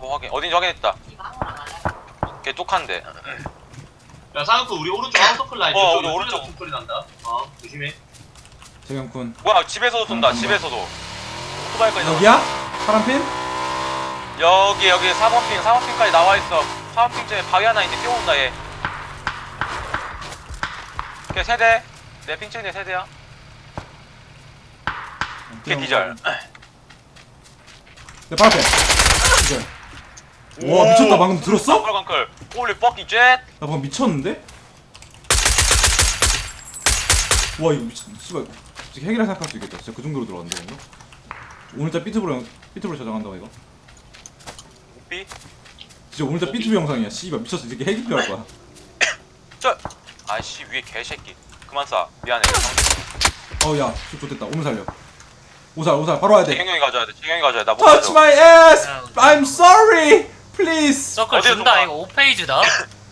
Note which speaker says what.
Speaker 1: 확인. 어딘지 확인했다. 걔 뚝한데.
Speaker 2: 야 쌍꺼풀 우리 오른쪽 아웃서클 라인.
Speaker 1: 우리 오른쪽.
Speaker 2: 소리 난다. 조심해.
Speaker 3: 재경군
Speaker 1: 뭐야 집에서도 쏜다. 집에서도. 오토바이까지 나와.
Speaker 3: 여기야? 파란핀?
Speaker 1: 여기 4번핑까지 나와있어. 4번핑쯤에 바위 하나 있는데 뛰어온다 얘. 걔 세대. 내 핑층에 세대야. 걔 디절.
Speaker 3: 내 바로 앞에 디절. 와 미쳤다. 방금 들었어?
Speaker 1: 깡클. 홀리 뻑기 jet.
Speaker 3: 나 방금 미쳤는데? 와 이거 미쳤.. 씨발 진짜 핵이라 생각할 수 있겠다. 진짜 그 정도로 들어간다 이거? 오늘따라 삐투브로 저장한다고 이거?
Speaker 1: 삐.
Speaker 3: 진짜 오늘따라 삐투브 영상이야. 씨발 미쳤어. 이게 핵이 필요할 거야.
Speaker 1: 아이씨 위에 개새끼. 그만 쏴. 미안해.
Speaker 3: 어우야 좋됐다. 오늘 살려. 오살 바로 와야 돼.
Speaker 1: 재경이 가져야 돼. 재경이 가져야 돼. 나못
Speaker 3: Touch
Speaker 1: 가져.
Speaker 3: my ass! I'm sorry! Please!
Speaker 4: 서클
Speaker 1: 어디에
Speaker 4: 준다.
Speaker 1: 쏜다?
Speaker 4: 이거 5페이지다.